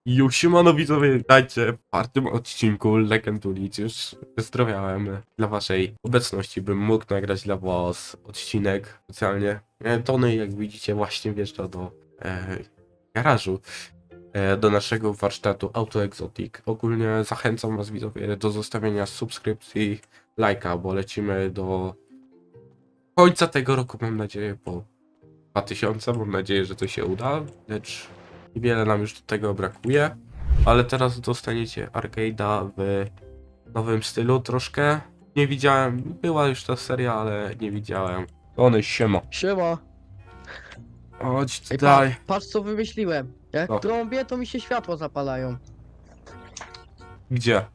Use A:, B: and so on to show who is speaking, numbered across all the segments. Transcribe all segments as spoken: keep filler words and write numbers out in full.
A: Już siemano widzowie, witajcie w czwartym odcinku Legend Ulic. Już wyzdrowiałem dla waszej obecności, bym mógł nagrać dla was odcinek specjalnie. E, Tony, jak widzicie, właśnie wjeżdża do e, garażu, e, do naszego warsztatu Auto Exotic. Ogólnie zachęcam was widzowie do zostawienia subskrypcji, lajka, bo lecimy do końca tego roku, mam nadzieję, po dwa tysiące, mam nadzieję, że to się uda, lecz niewiele nam już do tego brakuje, ale teraz dostaniecie arcade'a w nowym stylu troszkę. Nie widziałem, była już ta seria, ale nie widziałem. One siema.
B: Siema.
A: Chodź
B: Ej,
A: tutaj.
B: patrz, patrz co wymyśliłem. Jak
A: Co?
B: trąbię, to mi się światła zapalają.
A: Gdzie?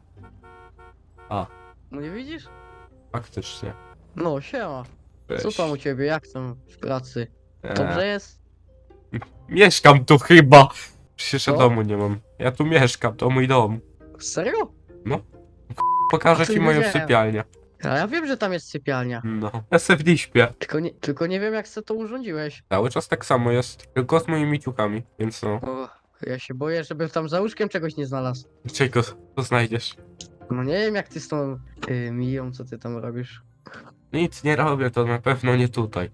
B: No nie widzisz?
A: Faktycznie.
B: No, siema. Co
A: Cześć.
B: tam u ciebie? Jak tam w pracy?
A: Eee,
B: Dobrze jest?
A: Mieszkam tu chyba. Przecież ja
B: Co?
A: domu nie mam. Ja tu mieszkam, to mój dom.
B: Serio?
A: Pokażę
B: A to
A: ci
B: nie
A: moją
B: wiedziałem.
A: sypialnię.
B: A ja wiem, że tam jest sypialnia.
A: No. Ja se w niej śpię.
B: Tylko nie, tylko nie wiem jak sobie to urządziłeś.
A: Cały czas tak samo jest. Tylko z moimi ciukami, więc no.
B: O, ja się boję, żebym tam za łóżkiem czegoś nie znalazł.
A: Czego to znajdziesz?
B: No nie wiem jak ty z tą y, miją, co ty tam robisz.
A: Nic nie robię, to na pewno nie tutaj.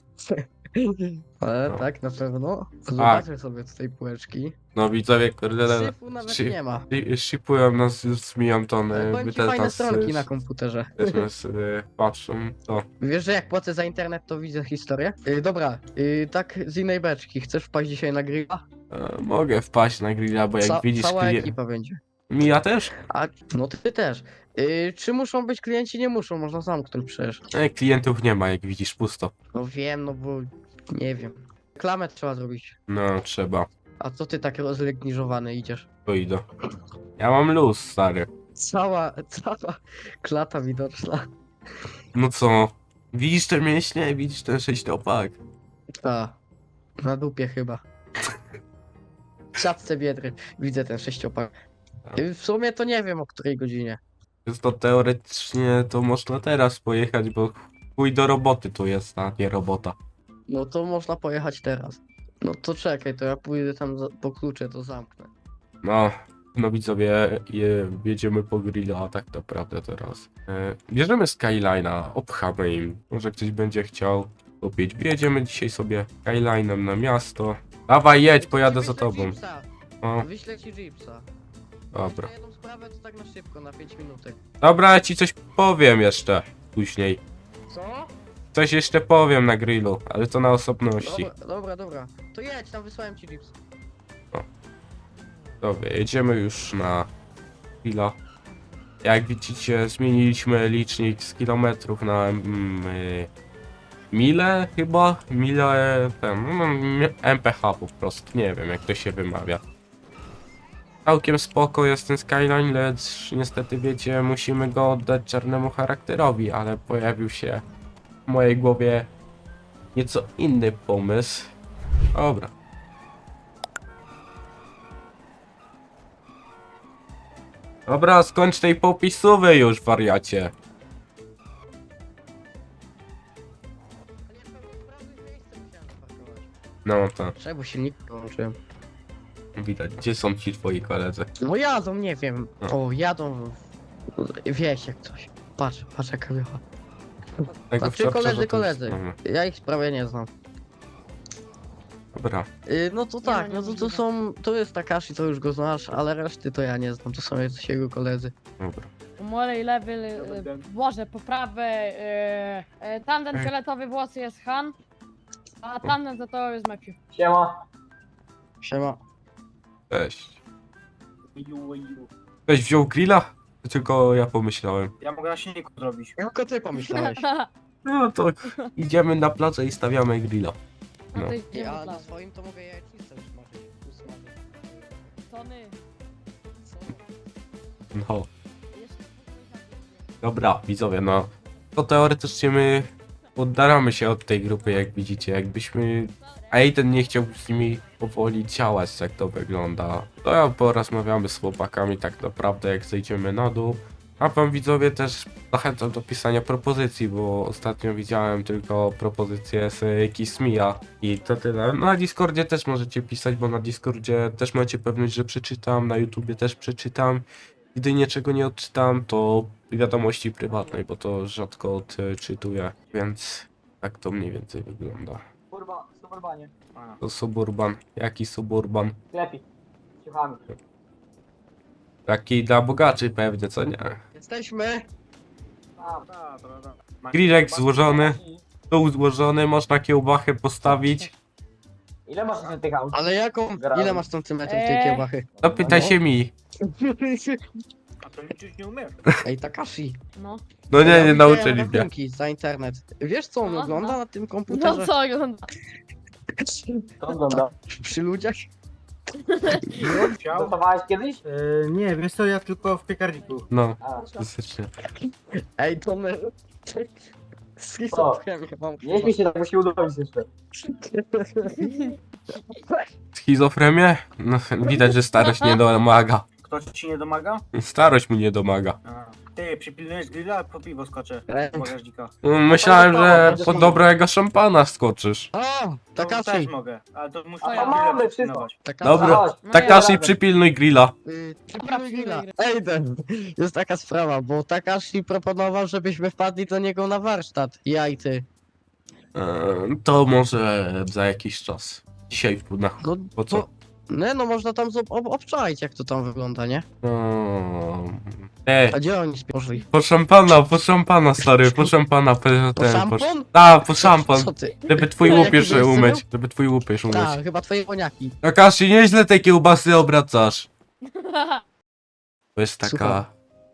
B: Ale
A: No.
B: tak, na pewno. Zobaczmy sobie tutaj półeczki.
A: No widzowie, kurde,
B: Syfu nawet
A: Sy-
B: nie ma.
A: shi- shipują nas z Miją
B: Ale
A: Tony.
B: powiem ci fajne stronki na komputerze.
A: Też nas y, patrzą, to.
B: Wiesz, że jak płacę za internet, to widzę historię? Yy, dobra, yy, tak z innej beczki. Chcesz wpaść dzisiaj na grilla?
A: E, mogę wpaść na grilla, bo jak
B: Ca
A: widzisz
B: cała
A: klient...
B: ekipa będzie.
A: Mija też?
B: A, no ty też. Yy, czy muszą być klienci? Nie muszą, można zamknąć przecież.
A: E, klientów nie ma, jak widzisz, pusto.
B: No wiem, no bo nie wiem. Reklamę trzeba zrobić.
A: No, trzeba.
B: A co ty tak rozlegniżowany idziesz?
A: To idę. Ja mam luz, stary.
B: Cała, cała klata widoczna.
A: No co? Widzisz te mięśnie? Widzisz ten sześciopak?
B: Ta, na dupie chyba. W siatce biedry widzę ten sześciopak. Yy, w sumie to nie wiem o której godzinie.
A: Jest to teoretycznie, to można teraz pojechać, bo chuj do roboty tu jest, a nie robota.
B: No to można pojechać teraz. No to czekaj, to ja pójdę tam za, po klucze, to zamknę.
A: No, no widzowie, je, jedziemy po grilla, a tak naprawdę teraz. E, bierzemy Skyline'a, obchamy im. Może ktoś będzie chciał kupić. Jedziemy dzisiaj sobie Skyline'em na miasto. Dawaj, jedź, pojadę za
B: Wyślę
A: tobą.
B: Jeepsa.
A: O,
B: Wyślę ci Jeepsa.
A: dobra.
B: Na jedną sprawę to tak na szybko, na pięć minutek.
A: Dobra, ja ci coś powiem jeszcze później.
B: Co?
A: Coś jeszcze powiem na grillu, ale to na osobności.
B: Dobra, dobra, dobra. To jedź, tam wysłałem ci Jeeps.
A: Dobra, jedziemy już na grilla. Jak widzicie, zmieniliśmy licznik z kilometrów na mm, y, mile chyba? Mile, ten, no, M P H po prostu, nie wiem jak to się wymawia. Całkiem spoko jest ten Skyline, lecz niestety wiecie, musimy go oddać czarnemu charakterowi, ale pojawił się w mojej głowie nieco inny pomysł. Dobra. Dobra, skończ tej popisówy już, wariacie. No to
B: Czemu silnik wyłączyłem?
A: widać, gdzie są ci twoi koledzy?
B: No jadą, nie wiem.
A: No.
B: O, jadą. Wieś jak coś. Patrz, patrz jaka wiocha.
A: Tego
B: Znaczy
A: wczoraj
B: koledzy,
A: to już
B: koledzy.
A: znamy.
B: Ja ich prawie nie znam.
A: Dobra,
B: Yy, no to tak, no to, to są, to jest Takashi, to już go znasz, ale reszty to ja nie znam, to są jacyś jego koledzy.
A: dobra.
C: Morej lewy, e, Boże, poprawę, e, e, tandem
A: Ej.
C: fioletowy włosy jest Han, a tandem zatołowy jest Matthew.
D: Siema.
B: Siema.
A: Cześć.
D: Ju, ju.
A: Ktoś wziął grilla? Tylko ja pomyślałem.
D: Ja mogę na silniku zrobić.
B: Tylko ty pomyślałeś.
A: No to idziemy na placę i stawiamy grilla.
C: No
A: No.
C: to idziemy
B: Ja
C: do
B: na
C: plaży.
B: swoim to mogę jajecznicę usmażyć. usmażyć.
C: Tony,
B: Co?
A: No.
C: jeszcze
A: Dobra, widzowie, no. To teoretycznie my oddalamy się od tej grupy, jak widzicie. Jakbyśmy... Aiden nie chciał z nimi powoli działać, jak to wygląda. To ja porozmawiamy z chłopakami tak naprawdę, jak zejdziemy na dół. A wam widzowie też zachęcam do pisania propozycji, bo ostatnio widziałem tylko propozycje z Kismia i to tyle. Na Discordzie też możecie pisać, bo na Discordzie też macie pewność, że przeczytam, na YouTubie też przeczytam. Gdy niczego nie odczytam, to wiadomości prywatnej, bo to rzadko odczytuję, więc tak to mniej więcej wygląda.
D: Kurwa, suburbanie. A,
A: To suburban. Jaki suburban?
D: lepiej. Ciuchami.
A: Taki dla bogaczy pewnie, co nie?
B: Jesteśmy.
D: A, da, da, da. Ma-
A: Grillek
D: ma-
A: złożony. Stół złożony, można kiełbachę postawić.
D: Ile masz na tych aut?
B: Ale jaką? Ile masz centymetrów tej
C: Eee.
B: kiełbachy?
A: To pyta się mi.
D: A to liczyć nie umiesz.
B: Ej, Takashi.
C: No.
A: No
B: Ja
A: nie, nie
B: widziałem
A: nauczyli mnie.
B: rachunki za internet. Wiesz co on
C: No,
B: ogląda
C: no.
B: na tym
C: No
B: komputerze?
C: co ogląda?
D: To wygląda.
B: Przy ludziach?
D: Gotowałeś kiedyś?
E: E, nie, wiesz co, ja tylko w piekarniku.
A: No,
D: A,
A: klasycznie.
B: Ej, to my... Schizofrenię mam.
D: nie śmiej się, tak musi udowodnić jeszcze.
A: Schizofrenię? No, widać, że starość nie domaga.
D: Ktoś ci nie domaga?
A: Starość mu nie domaga.
D: A. Ty, przypilnujesz grilla, po piwo skoczę.
B: Ej.
D: Z bagażnika.
A: No, myślałem, że po dobrego szampana skoczysz.
B: O,
D: To też
B: Takashi.
D: mogę, ale to muszę
C: A ja
D: grilla
E: mamy
D: przypilnować.
B: Takashi.
A: Dobra.
D: Chodź.
C: No
A: Takashi,
C: ja-
A: przypilnuj grilla.
B: Y,
C: Dobra,
B: przypilnuj grilla.
C: przypilnuj
B: Ej, ten, jest taka sprawa, bo Takashi proponował, żebyśmy wpadli do niego na warsztat. Ja i ty.
A: Eee, To może za jakiś czas. Dzisiaj w na...
B: No,
A: Po co?
B: to- Nie, no można tam zob- ob obczaić, jak to tam wygląda, nie?
A: No... Ej,
B: A gdzie oni poszli?
A: po szampana, po szampana, stary, po szampana, po ten,
B: Po
A: po...
B: szampon?
A: A, po szampan.
B: Co ty?
A: Żeby twój
B: No,
A: łupież
B: jaki
A: umyć, żeby twój łupież umyć.
B: A, chyba twoje koniaki.
A: Takashi, nieźle te kiełbasy obracasz. To jest taka...
B: Słucham.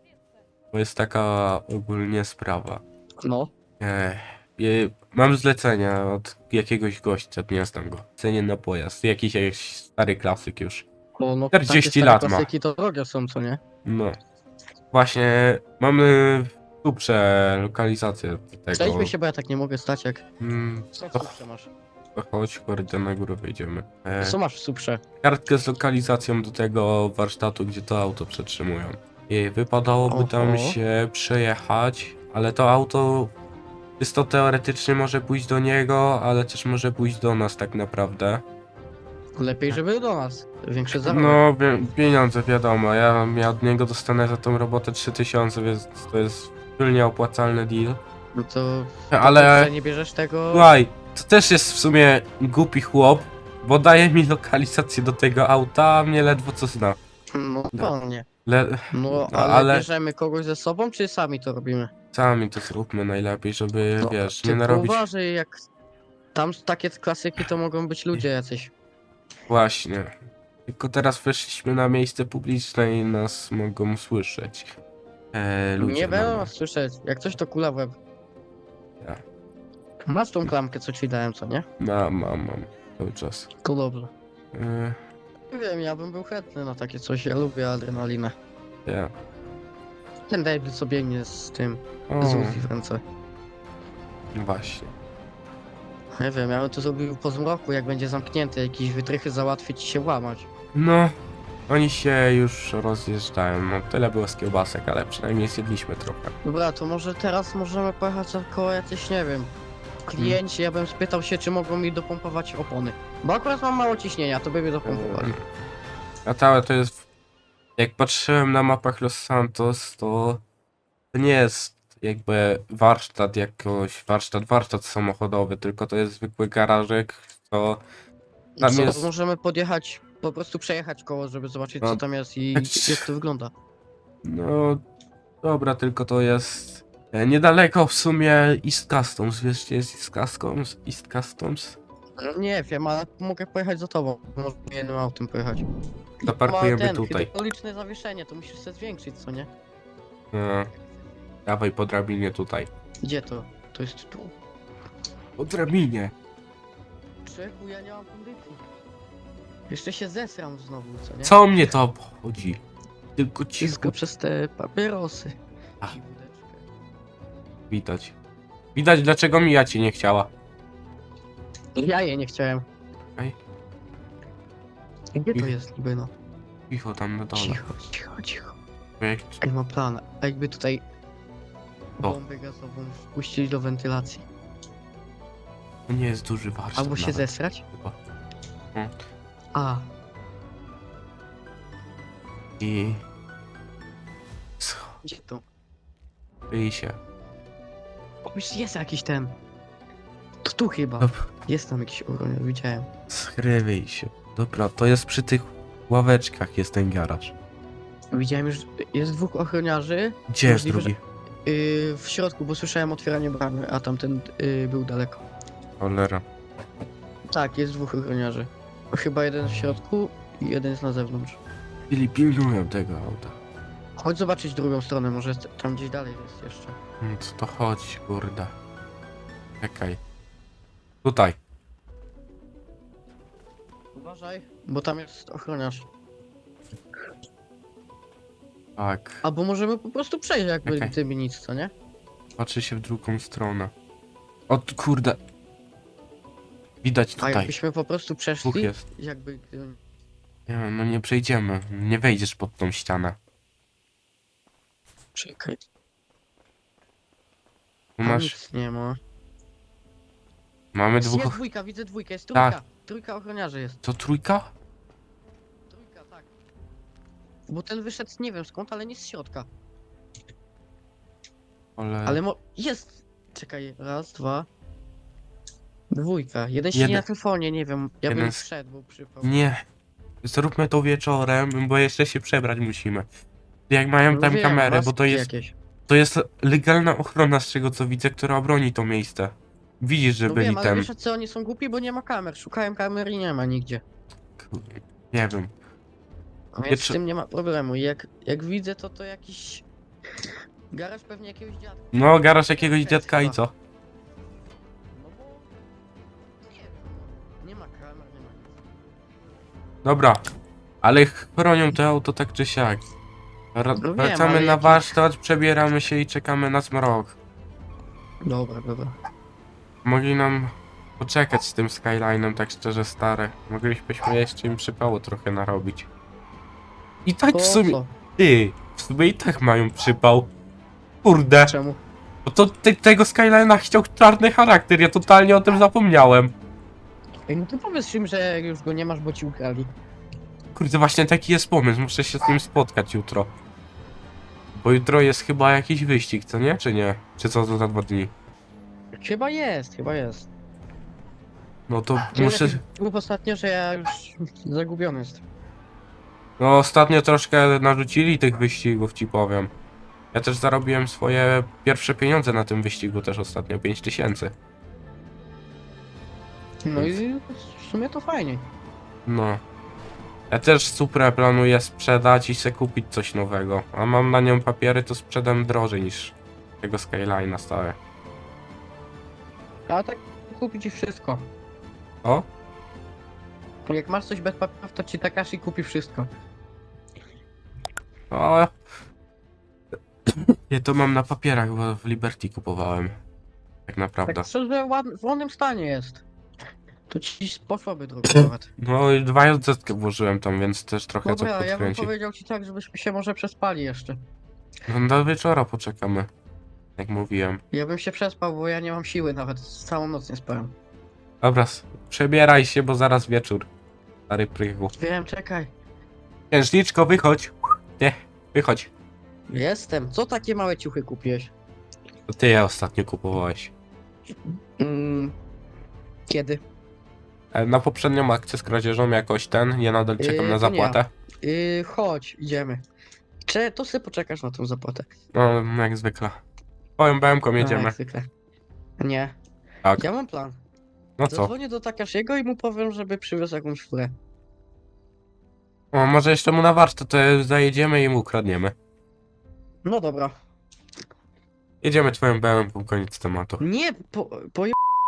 A: To jest taka ogólnie sprawa.
B: No.
A: Ech, je, mam zlecenie od jakiegoś gościa, nie znam go. Cenię na pojazd, jakiś, jakiś stary klasyk już.
B: Bo no,
A: czterdzieści
B: takie stare
A: lat ma.
B: klasyki to drogie są, co nie?
A: No. Właśnie mamy super lokalizację do tego.
B: Przejdźmy się, bo ja tak nie mogę stać, jak...
A: Mm,
B: Co w
A: to,
B: suprze masz?
A: to chodź, kurde, na górę wyjdziemy. E,
B: Co masz w suprze?
A: kartkę z lokalizacją do tego warsztatu, gdzie to auto przetrzymują. I wypadałoby
B: Oho.
A: tam się przejechać, ale to auto czysto teoretycznie może pójść do niego, ale też może pójść do nas tak naprawdę.
B: Lepiej, żeby do nas. Większe zarobek.
A: No, wie- pieniądze wiadomo, ja, ja od niego dostanę za tą robotę trzy tysiące, więc to jest silnie opłacalny deal.
B: No to...
A: Ale,
B: to nie bierzesz tego...
A: słuchaj, to też jest w sumie głupi chłop, bo daje mi lokalizację do tego auta, a mnie ledwo co zna.
B: No pewnie.
A: Le...
B: No,
A: No,
B: ale,
A: ale-
B: bierzemy kogoś ze sobą, czy sami to robimy?
A: Sami to zróbmy najlepiej, żeby,
B: No,
A: wiesz, nie
B: tylko
A: narobić...
B: uważaj, jak... Tam takie klasyki to mogą być ludzie jacyś.
A: Właśnie. Tylko teraz weszliśmy na miejsce publiczne i nas mogą słyszeć. E, ludzie
B: Nie będą
A: mamy.
B: nas słyszeć. Jak coś to kula w łeb.
A: Ja.
B: Masz tą klamkę, co ci dałem, co nie?
A: Mam, mam, mam. Cały czas.
B: To dobrze.
A: E,
B: Nie wiem, ja bym był chętny na takie coś. Ja lubię adrenalinę.
A: ja.
B: Ten David sobie biegnie z tym,
A: O,
B: z Uzi w ręce.
A: właśnie.
B: Nie wiem, ja bym to zrobił po zmroku, jak będzie zamknięty, jakieś wytrychy załatwić i się łamać.
A: No, oni się już rozjeżdżają. No, tyle było z kiełbasek, ale przynajmniej zjedliśmy trochę.
B: Dobra, to może teraz możemy pojechać koło jacyś, nie wiem, klienci. Ja bym spytał się, czy mogą mi dopompować opony. Bo akurat mam mało ciśnienia, to by mi dopompowali.
A: A całe to jest... Jak patrzyłem na mapach Los Santos, to... To nie jest jakby warsztat jakoś... Warsztat, warsztat samochodowy, tylko to jest zwykły garażek, co...
B: No
A: Tam
B: co,
A: jest-
B: możemy podjechać, po prostu przejechać koło, żeby zobaczyć,
A: No,
B: co tam jest i
A: tak-
B: jak to wygląda.
A: No... Dobra, tylko to jest... e, Niedaleko w sumie East Customs, wiesz gdzie jest East Customs? East Customs?
B: Nie wiem, ale mogę pojechać za tobą. Może jednym autem pojechać.
A: Zaparkujemy
B: Ma ten
A: tutaj.
B: hydrauliczne zawieszenie, to musisz sobie zwiększyć, co nie?
A: E, Dawaj po drabinie tutaj.
B: Gdzie to? To jest tu.
A: Po drabinie.
B: Czemu ja nie mam kondycji? Jeszcze się zesram znowu, co nie?
A: Co mnie to obchodzi? Tylko cicho
B: Wszystko przez te papierosy.
A: Ach.
B: I wódeczkę.
A: widać. Widać dlaczego Mija cię nie chciała.
B: Ja je nie chciałem.
A: Ej.
B: Gdzie to
A: Ich-
B: jest niby no?
A: Cicho tam na dole.
B: Cicho, cicho, cicho.
A: Jak...
B: Ej, mam plan. A jakby tutaj
A: O.
B: bombę gazową wpuścić do wentylacji.
A: To nie jest duży warsztat
B: Albo się
A: nawet,
B: zesrać?
A: chyba.
B: A,
A: I...
B: gdzie to?
A: Schryj się.
B: O, już jest jakiś ten. To tu chyba.
A: Dobra.
B: Jest tam jakiś uronier, widziałem.
A: Schryj się. Dobra, to jest przy tych ławeczkach jest ten garaż.
B: Widziałem już, jest dwóch ochroniarzy
A: Gdzie jest
B: Możliwe,
A: drugi?
B: yy, w środku, bo słyszałem otwieranie bramy, a tamten yy, był daleko.
A: Cholera.
B: Tak, jest dwóch ochroniarzy. Chyba jeden w środku i jeden jest na zewnątrz.
A: Czyli pilnują tego auta.
B: Chodź zobaczyć drugą stronę, może jest- tam gdzieś dalej jest jeszcze.
A: No co to chodzi, kurde. Czekaj. Tutaj.
B: Uważaj, bo tam jest ochroniarz.
A: Tak.
B: Albo możemy po prostu przejść jakby
A: Okej.
B: gdyby nic, co nie?
A: Patrzy się w drugą stronę. O t- kurde. Widać
B: A
A: tutaj.
B: jakbyśmy po prostu
A: Dwóch
B: przeszli,
A: jest.
B: jakby gdyby...
A: Nie, no nie przejdziemy. Nie wejdziesz pod tą ścianę.
B: Czekaj,
A: Tu
B: tam
A: masz...
B: nic nie ma.
A: Mamy
B: Jest,
A: dwóch...
B: jest dwójka, widzę dwójkę, jest trójka.
A: Tak.
B: Trójka ochroniarzy jest.
A: To trójka?
B: Trójka, tak. Bo ten wyszedł nie wiem skąd, ale nie z środka.
A: Ale...
B: Ale mo... jest! Czekaj, raz, dwa... Dwójka. Jeden siedzi
A: Jeden-
B: na telefonie, nie wiem. Ja
A: jeden
B: bym
A: s-
B: wszedł, bo przypał.
A: Nie. Zróbmy to wieczorem, bo jeszcze się przebrać musimy. Jak mają
B: No
A: tam
B: wiem,
A: kamerę, bo to
B: maski
A: jest...
B: jakieś.
A: To jest legalna ochrona z tego co widzę, która obroni to miejsce. Widzisz, że
B: No
A: byli
B: wiem, ale
A: ten...
B: wiesz co, oni są głupi, bo nie ma kamer. Szukałem kamer i nie ma nigdzie.
A: Kurde, nie wiem.
B: Więc
A: Wiecie-
B: z tym nie ma problemu. I jak, jak widzę, to to jakiś... Garaż pewnie jakiegoś dziadka.
A: No, garaż jakiegoś
B: Fest
A: dziadka i
B: chyba.
A: co?
B: No bo... Nie wiem, no. Nie ma kamer, nie ma nic.
A: Dobra. Ale chronią to auto tak czy siak. Ra-
B: No wiem,
A: Wracamy
B: ale
A: na
B: jaki-
A: warsztat, przebieramy się i czekamy na zmrok.
B: Dobra, dobra.
A: Mogli nam poczekać z tym Skylinem, tak szczerze stare. Moglibyśmy jeszcze im przypało trochę narobić. I tak
B: Po
A: w sumie...
B: co?
A: Ty, w sumie i tak mają przypał. Kurde.
B: Czemu?
A: Bo to ty, tego Skylina chciał czarny charakter, ja totalnie o tym zapomniałem.
B: Ej, no to powiedz im, że już go nie masz, bo ci ukradli.
A: Kurde, właśnie taki jest pomysł, muszę się z nim spotkać jutro. Bo jutro jest chyba jakiś wyścig, co nie? Czy nie? Czy co to za dwa dni?
B: Chyba jest, chyba jest.
A: No to
B: Muszę...
A: muszę...
B: Mów ostatnio, że ja już zagubiony jestem.
A: No ostatnio troszkę narzucili tych wyścigów, ci powiem. Ja też zarobiłem swoje pierwsze pieniądze na tym wyścigu też ostatnio, pięć tysięcy.
B: No i w sumie to fajnie.
A: No. Ja też Suprę planuję sprzedać i se kupić coś nowego. A mam na nią papiery, to sprzedam drożej niż tego Skyline'a stałe.
B: A tak kupi ci wszystko.
A: O?
B: Jak masz coś bez papierów, to ci Takashi kupi wszystko.
A: O. Ja to mam na papierach, bo w Liberty kupowałem. Tak naprawdę.
B: Tak szczerze, ład- w ładnym stanie jest. To ci poszłoby drogo nawet.
A: No i dwa zetkę włożyłem tam, więc też trochę co
B: Dobra, ja bym
A: podkręci.
B: powiedział ci tak, żebyśmy się może przespali jeszcze.
A: No do wieczora poczekamy. Jak mówiłem.
B: Ja bym się przespał, bo ja nie mam siły nawet. Całą noc nie spałem.
A: Dobra, s- przebieraj się, bo zaraz wieczór. Stary prychu.
B: Wiem, czekaj.
A: Księżniczko, wychodź. Nie, wychodź.
B: Jestem. Co takie małe ciuchy kupiłeś?
A: To ty je ostatnio kupowałeś.
B: Mm, kiedy?
A: E, Na poprzednią akcję z kradzieżą jakoś ten, ja nadal czekam
B: Yy,
A: na
B: to nie ja.
A: zapłatę.
B: Yy, chodź, idziemy. Cze, to sobie poczekasz na tą zapłatę.
A: No, jak zwykle. Twoją B M ką
B: No,
A: jedziemy.
B: jak zwykle. Nie.
A: Tak.
B: Ja mam plan.
A: No co?
B: Zadzwonię do Takashiego i mu powiem, żeby przywiózł jakąś furę.
A: O, może jeszcze mu na warsztat to zajedziemy i mu ukradniemy.
B: No dobra.
A: Jedziemy twoją B M ką, koniec tematu.
B: Nie, po, po...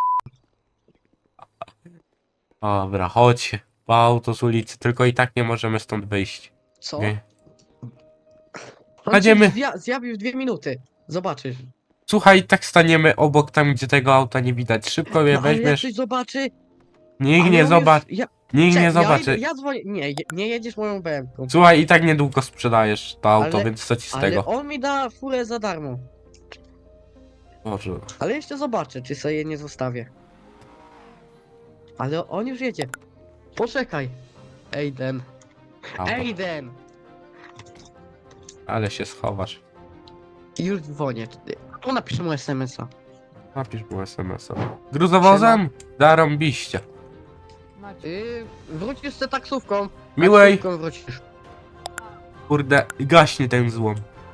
A: Dobra, chodź. Po auto z ulicy, tylko i tak nie możemy stąd wyjść.
B: Co?
A: Nie.
B: On
A: Jedziemy.
B: cię zja- zjawił w dwie minuty. Zobaczysz.
A: Słuchaj, tak staniemy obok tam, gdzie tego auta nie widać. Szybko je
B: No, ale jak
A: weźmiesz.
B: ktoś zobaczy...
A: Nikt
B: ale
A: nie
B: on
A: zobaczy.
B: Jest, ja,
A: Nikt nie
B: Czek, ja,
A: zobaczy.
B: idę- ja dzwonię. Nie, je- nie jedziesz moją B M-ką.
A: Słuchaj, i tak niedługo sprzedajesz to auto,
B: Ale-
A: więc co ci z
B: Ale
A: tego?
B: on mi da furę za darmo.
A: Boże.
B: Ale jeszcze zobaczę, czy sobie je nie zostawię. Ale on już jedzie. Poczekaj. Ejden.
A: Auto.
B: Ejden!
A: Ale się schowasz.
B: Już dzwonię. Tu napiszę mu es em es a.
A: Napisz mu es em es a. Gruzowozem? Zarąbiście.
C: Macie.
B: Yy, wrócisz z tą taksówką.
A: Miłej.
B: Taksówką wrócisz.
A: Kurde, gaśnie ten złom.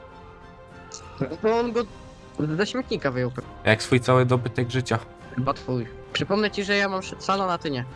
B: Bo on go ze śmietnika wyjął.
A: Jak swój cały dobytek życia.
B: Chyba twój. Przypomnę ci, że ja mam salon, a ty nie.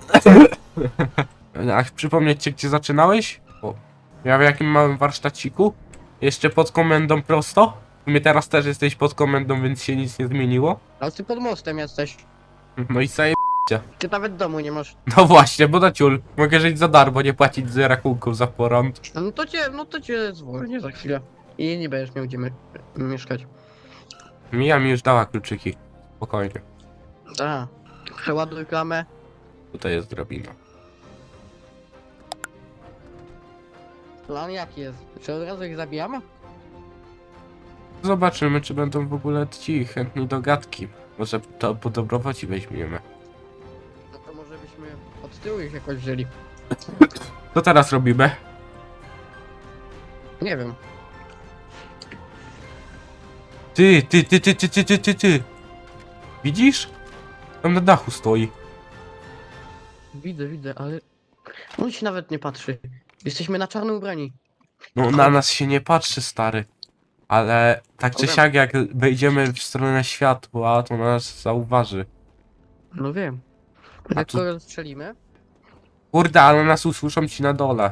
A: A przypomnieć ci, gdzie zaczynałeś? O, ja w jakim małym warsztaciku? Jeszcze pod komendą prosto? W sumie teraz też jesteś pod komendą, więc się nic nie zmieniło.
B: Ale ty pod mostem jesteś.
A: No i sobie.
B: Ty nawet domu nie masz.
A: No właśnie, bo na ciul. Mogę żyć za darmo, nie płacić z rachunków za prąd.
B: No to cię, no to cię dzwonię za chwilę. I nie będziesz miał gdzie my, mieszkać.
A: Mija mi już dała kluczyki. Spokojnie.
B: A, przeładuj klamę.
A: Tutaj jest drabina.
B: Plan jaki jest? Czy od razu ich zabijamy?
A: Zobaczymy, czy będą w ogóle ci chętni do gadki. Może to po dobroci weźmiemy.
B: No to może byśmy od tyłu ich jakoś wzięli.
A: Co teraz robimy?
B: Nie wiem.
A: Ty, ty, ty, ty, ty, ty, ty, ty, ty. Widzisz? Tam na dachu stoi.
B: Widzę, widzę, ale... On się nawet nie patrzy. Jesteśmy na czarno ubrani.
A: No na nas się nie patrzy, stary. Ale tak czy
B: Dobra.
A: siak, jak wejdziemy w stronę światła, to nas zauważy.
B: No wiem.
A: A
B: Jak
A: tu-
B: to strzelimy?
A: Kurde, ale nas usłyszą ci na dole.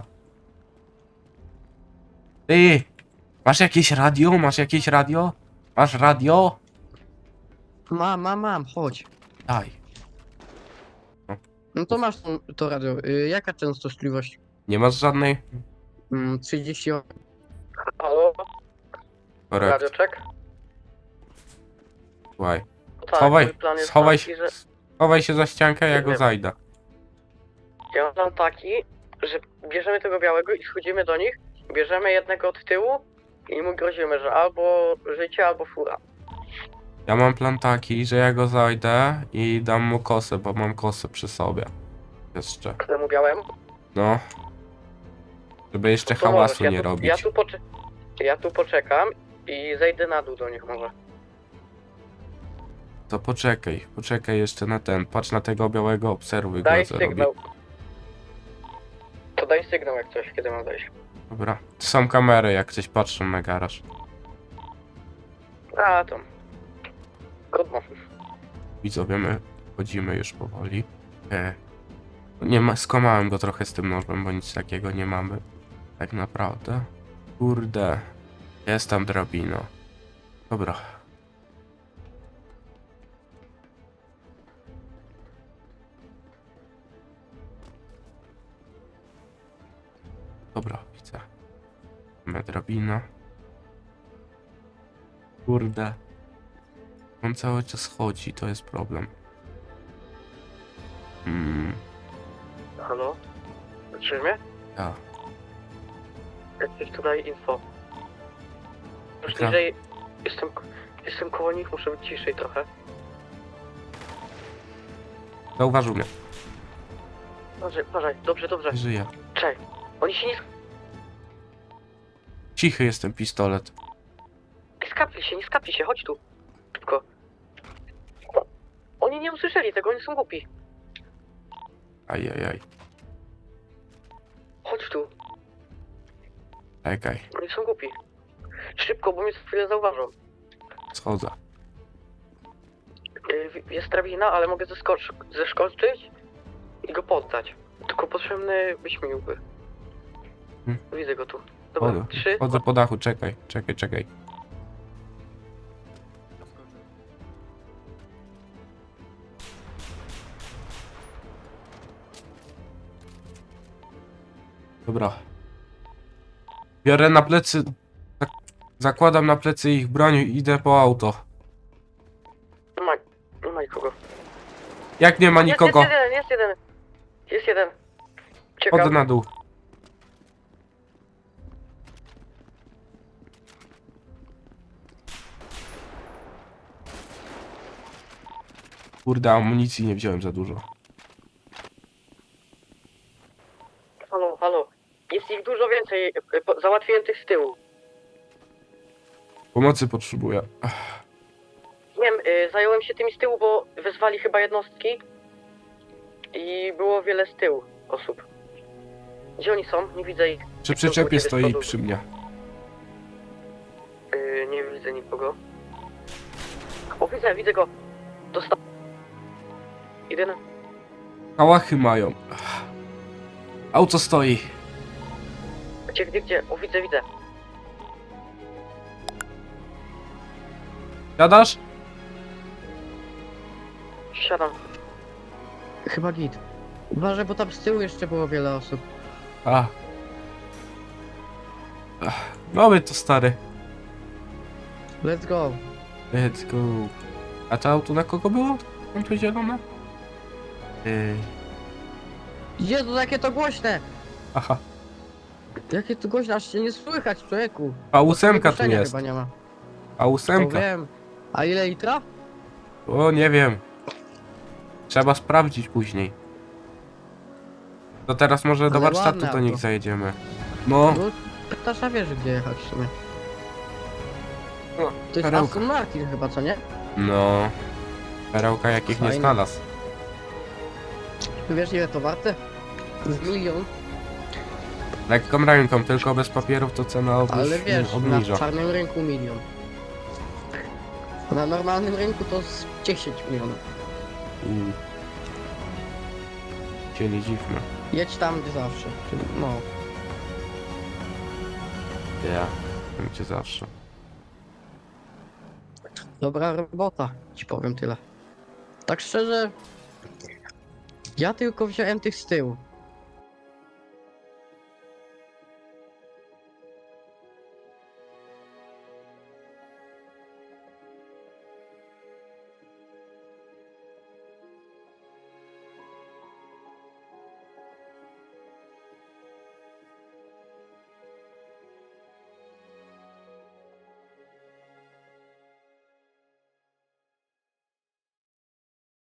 A: Ty! Masz jakieś radio? Masz jakieś radio? Masz radio?
B: Mam, mam, mam, chodź.
A: Daj.
B: No to masz to, to radio. Y, jaka częstotliwość?
A: Nie masz żadnej?
B: Mm, trzydzieści osiem. Halo?
A: Korekt.
B: check?
A: Słuchaj.
B: Tak,
A: Schowaj, schowaj się,
B: że
A: schowaj się za ściankę, ja go
B: Wiem.
A: zajdę.
B: ja mam plan taki, że bierzemy tego białego i schodzimy do nich, bierzemy jednego od tyłu i mu grozimy, że albo życie, albo fura.
A: Ja mam plan taki, że ja go zajdę i dam mu kosę, bo mam kosę przy sobie. Jeszcze.
B: Temu białemu?
A: No. Żeby jeszcze
B: To
A: hałasu
B: możesz, ja
A: nie
B: tu,
A: robić.
B: Ja tu, pocze- ja tu poczekam i zejdę na dół do nich może.
A: To poczekaj, poczekaj jeszcze na ten. Patrz na tego białego, obserwuj go,
B: Daj
A: co robi.
B: sygnał. To daj sygnał jak coś, kiedy mam dojść.
A: Dobra. Są kamery, jak coś patrzą na garaż.
B: A, to... Trudno.
A: Widzowie, my chodzimy już powoli. E, nie ma, skomałem go trochę z tym nożem, bo nic takiego nie mamy. Tak naprawdę. Kurde. Jest tam drabina. Dobra. Dobra, widzę. Mamy drabinę. Kurde. On cały czas chodzi, to jest problem. Hmm,
B: Halo? Słyszysz mnie?
A: ja.
B: Jakieś tutaj info. Już
A: Dobra.
B: niżej... Jestem... Jestem koło nich, muszę być ciszej trochę.
A: Zauważył mnie.
B: Uważaj, uważaj, dobrze, dobrze.
A: Nie żyje.
B: Czekaj. Oni się nie
A: Cichy jest ten pistolet.
B: skapli się, nie skapli się, chodź tu. Szybko. Oni nie usłyszeli tego, oni są głupi.
A: Ajajaj.
B: Chodź tu,
A: Czekaj.
B: oni są głupi. Szybko, bo mnie za chwilę zauważą.
A: Schodzę.
B: Yy, Jest drabina, ale mogę zeskocz- zeskoczyć i go poddać. Tylko potrzebny wyśmiłby.
A: Hmm.
B: Widzę go tu. Dobra,
A: Chodzę,
B: trzy.
A: chodzę po dachu, czekaj, czekaj, czekaj. Dobra. Biorę na plecy... zak- Zakładam na plecy ich broń i idę po auto.
B: Nie ma, nie ma nikogo.
A: Jak nie ma nikogo?
B: Jest, jest jeden, jest jeden. Jest jeden.
A: Chodzę na dół. Kurde, amunicji nie wziąłem za dużo.
B: Halo, halo. Jest ich dużo więcej. Załatwiłem tych z tyłu.
A: Pomocy potrzebuję. Ach,
B: Wiem, y, zająłem się tymi z tyłu, bo wezwali chyba jednostki. I było wiele z tyłu osób. Gdzie oni są? Nie widzę ich.
A: Przy przyczepie stoi przy mnie.
B: Y, nie widzę nikogo. O, widzę, widzę go. Dostał. Idę na...
A: Kałachy mają. Ach. Auto stoi.
B: Gdzie, gdzie, gdzie? O, widzę, widzę.
A: Jadasz?
B: Siadam. Chyba git. Uważaj, bo tam z tyłu jeszcze było wiele osób.
A: A. Ach, mamy to stary.
B: Let's go.
A: Let's go. A to auto na kogo było? Mam to zielone? Yy.
B: Jezu, jakie to głośne!
A: Aha.
B: Jakie to głośne, aż się nie słychać, człowieku.
A: A ósemka tu
B: Ogłoszenia
A: jest.
B: chyba nie ma.
A: A
B: To
A: ósemka.
B: wiem. A ile litra?
A: O, nie wiem. Trzeba sprawdzić później. To teraz może do
B: Ale
A: warsztatu
B: ładne
A: to niech
B: auto.
A: zajedziemy. No,
B: No, Ptasza wiesz, gdzie jechać w sumie.
A: No,
B: To jest
A: perełka.
B: Aston Martin chyba, co nie?
A: no. Perełka jakich nie
B: Fajne.
A: znalazł.
B: Wiesz, ile to warte? Z milion.
A: Lekką ręką, tylko bez papierów to cena obniż,
B: Ale wiesz,
A: obniża.
B: na czarnym rynku milion. Na normalnym rynku to z dziesięć milionów.
A: I... Cię nie dziwmy.
B: Jedź tam, gdzie zawsze. No.
A: Ja. Gdzie zawsze.
B: Dobra robota, ci powiem tyle. Tak szczerze, ja tylko wziąłem tych z tyłu.